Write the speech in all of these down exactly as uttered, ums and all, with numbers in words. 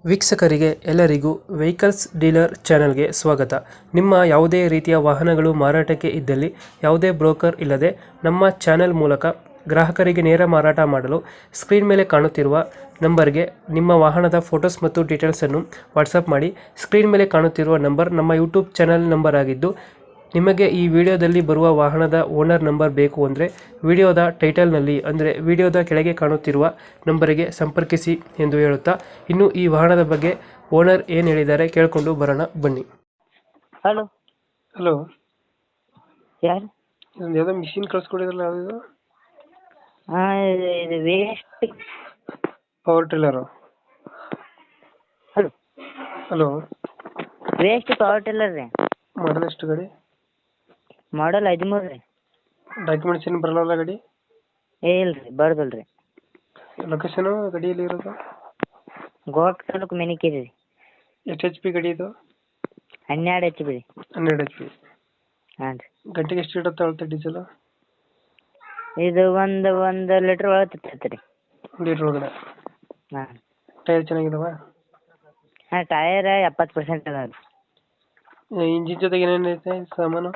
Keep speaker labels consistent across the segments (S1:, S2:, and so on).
S1: ವೀಕ್ಷಕರಿಗೆ ಎಲ್ಲರಿಗೂ vehicles dealer ಚಾನೆಲ್ಗೆ ಸ್ವಾಗತ. ನಿಮ್ಮ ಯಾವುದೇ ರೀತಿಯ ವಾಹನಗಳು ಮಾರಾಟಕ್ಕೆ ಇದ್ದಲ್ಲಿ ಯಾವುದೇ ಬ್ರೋಕರ್ ಇಲ್ಲದೆ ನಮ್ಮ ಚಾನೆಲ್ ಮೂಲಕ ಗ್ರಾಹಕರಿಗೆ ನೇರ ಮಾರಾಟ ಮಾಡಲು ಸ್ಕ್ರೀನ್ ಮೇಲೆ ಕಾಣುತ್ತಿರುವ ನಂಬರ್ಗೆ ನಿಮ್ಮ ವಾಹನದ ಫೋಟೋಸ್ ಮತ್ತು ಡೀಟೇಲ್ಸನ್ನು ವಾಟ್ಸಪ್ ಮಾಡಿ. ಸ್ಕ್ರೀನ್ ಮೇಲೆ ಕಾಣುತ್ತಿರುವ ನಂಬರ್ ನಮ್ಮ ಯೂಟ್ಯೂಬ್ ಚಾನೆಲ್ ನಂಬರ್ ಆಗಿದ್ದು, ನಿಮಗೆ ಈ ವಿಡಿಯೋದಲ್ಲಿ ಬರುವ ವಾಹನದ ಓನರ್ ನಂಬರ್ ಬೇಕು ಅಂದರೆ ವಿಡಿಯೋದ ಟೈಟಲ್ನಲ್ಲಿ ಅಂದರೆ ವಿಡಿಯೋದ ಕೆಳಗೆ ಕಾಣುತ್ತಿರುವ ನಂಬರಿಗೆ ಸಂಪರ್ಕಿಸಿ ಎಂದು ಹೇಳುತ್ತಾ, ಇನ್ನು ಈ ವಾಹನದ ಬಗ್ಗೆ ಓನರ್ ಏನು ಹೇಳಿದ್ದಾರೆ ಕೇಳಿಕೊಂಡು ಬರೋಣ ಬನ್ನಿ.
S2: ಹಲೋ
S1: ಹಲೋ,
S2: ಯಾರು?
S1: ಇದೊಂದು ಯಾವುದೋ ಮಿಷಿನ್ ಕಳಿಸ್ಕೊಡಿದ್ರಲ್ಲ, ಯಾವುದಿದು?
S2: ಹಾಂ, ಇದು ಇದು waste.
S1: Power tiller.
S2: Hello
S1: hello,
S2: waste power tiller ರೀ.
S1: ಮಾಡಲ್ ಎಷ್ಟು ಗಾಡಿ?
S2: ಮಾಡಲ್ ಹದಿಮೂರು ರೀ.
S1: ಡಾಕ್ಯುಮೆಂಟ್ಸ್ ಏನು ಬರಲ್ಲ ಗಾಡಿ?
S2: ಏ ಇಲ್ಲ ರೀ, ಬರ್ದಲ್ಲ ರೀ.
S1: ಲೊಕೇಶನು ಗಾಡಿಯಲ್ಲಿ ಇರೋದು?
S2: ಗೋವಾಕ್ ತಾಲೂಕು ಮೆನಿಕೇರಿ ರೀ.
S1: ಎಷ್ಟು ಎಚ್ ಪಿ ಗಾಡಿ ಇದು?
S2: ಹನ್ನೆರಡು ಎಚ್ ಬಿ ರೀ.
S1: ಹನ್ನೆರಡು ಎಚ್ ಪಿ.
S2: ಹಾಂ ರೀ.
S1: ಗಂಟೆಗೆ ಎಷ್ಟು ಇಡುತ್ತೆ ಅಳತೆ ಡೀಸೆಲು?
S2: ಇದು ಒಂದು ಒಂದು ಲೀಟ್ರ್ ಒಳಗೆ ತಿರ್ತೈತೆ ರೀ.
S1: ಒಂದು ಲೀಟ್ರ್ ಒಳಗಡೆ.
S2: ಹಾಂ.
S1: ಟೈರ್ ಚೆನ್ನಾಗಿದಾವ?
S2: ಹಾಂ, ಟಯರ್ ಎಪ್ಪತ್ತು ಪರ್ಸೆಂಟ್ ಅದಾವೆ ರೀ.
S1: ಇಂಜಿನ್ ಜೊತೆಗೆ ಏನೇನು ಐತೆ ಸಾಮಾನು?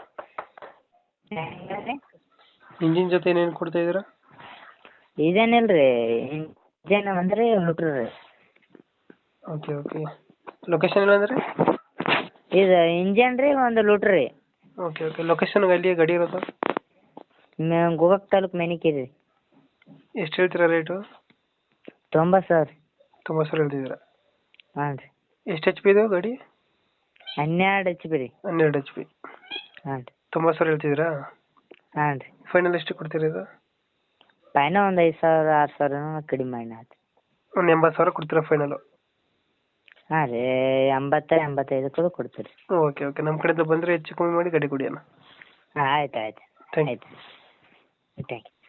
S2: ಹೆಂಗೆ?
S1: ಇಂಜಿನ್ ಜೊತೆ ಏನೇನು ಕೊಡ್ತಾ ಇದ್ದೀರಾ?
S2: ಇದೇನಿಲ್ಲ ರೀ, ಇಂಜನ್ ಅಂದ್ರೆ ಲೀಟ್ರ್ ರೀ.
S1: Okay okay. ಲೊಕೇಶನ್ ಇಲ್ಲ ಅಂದರೆ?
S2: ಇದು ಇಂಜನ್ ರೀ, ಒಂದು ಲೀಟ್ರ್ ರೀ.
S1: Okay okay. ಲೊಕೇಶನ್ ಅಲ್ಲಿ ಗಾಡಿ ಇರೋದು?
S2: ಮ- ಗೋವಾಕ್ ತಾಲೂಕು ಮೆನಿಕೇರಿ ರೀ.
S1: ಎಷ್ಟು ಹೇಳ್ತೀರಾ ರೇಟು?
S2: ತೊಂಬತ್ತು ಸಾವಿರ.
S1: ತೊಂಬತ್ತು ಸಾವಿರ ಹೇಳ್ತಿದ್ದೀರಾ?
S2: ಹಾಂ ರೀ.
S1: ಎಷ್ಟು ಎಚ್ ಪಿ ಇದು ಗಾಡಿ?
S2: ಹನ್ನೆರಡು ಎಚ್ ಬಿ ರೀ.
S1: ಹನ್ನೆರಡು ಎಚ್ ಪಿ.
S2: ಹಾಂ ರೀ.
S1: ತೊಂಬತ್ತು ಸಾವಿರ ಹೇಳ್ತಿದ್ದೀರಾ?
S2: ಹಾಂ ರೀ.
S1: ಫೈನಲ್ ಎಷ್ಟು ಕೊಡ್ತೀರಾ ಇದು?
S2: ಪೈನ ಒಂದು ಐದು ಸಾವಿರ ಆರು ಸಾವಿರ ಕಡಿಮೆ ಮಾಡಿ ಆಯ್ತು.
S1: ಒಂದು ಎಂಬತ್ತು ಸಾವಿರ ಕೊಡ್ತೀರಾ ಫೈನಲು?
S2: ಹಾಂ ರೀ, ಎಂಬತ್ತು ಎಂಬತ್ತೈದು ಕೂಡ ಕೊಡ್ತೀರಿ.
S1: Okay okay. ನಮ್ಮ ಕಡೆಯಿಂದ ಬಂದರೆ ಹೆಚ್ಚು ಕಮ್ಮಿ ಮಾಡಿ ಗಾಡಿ ಕೊಡಿ ಅಣ್ಣ.
S2: ಹಾಂ, ಆಯ್ತು ಆಯ್ತು
S1: ಥ್ಯಾಂಕ್ ಯು.
S2: ಆಯ್ತು. Thank you.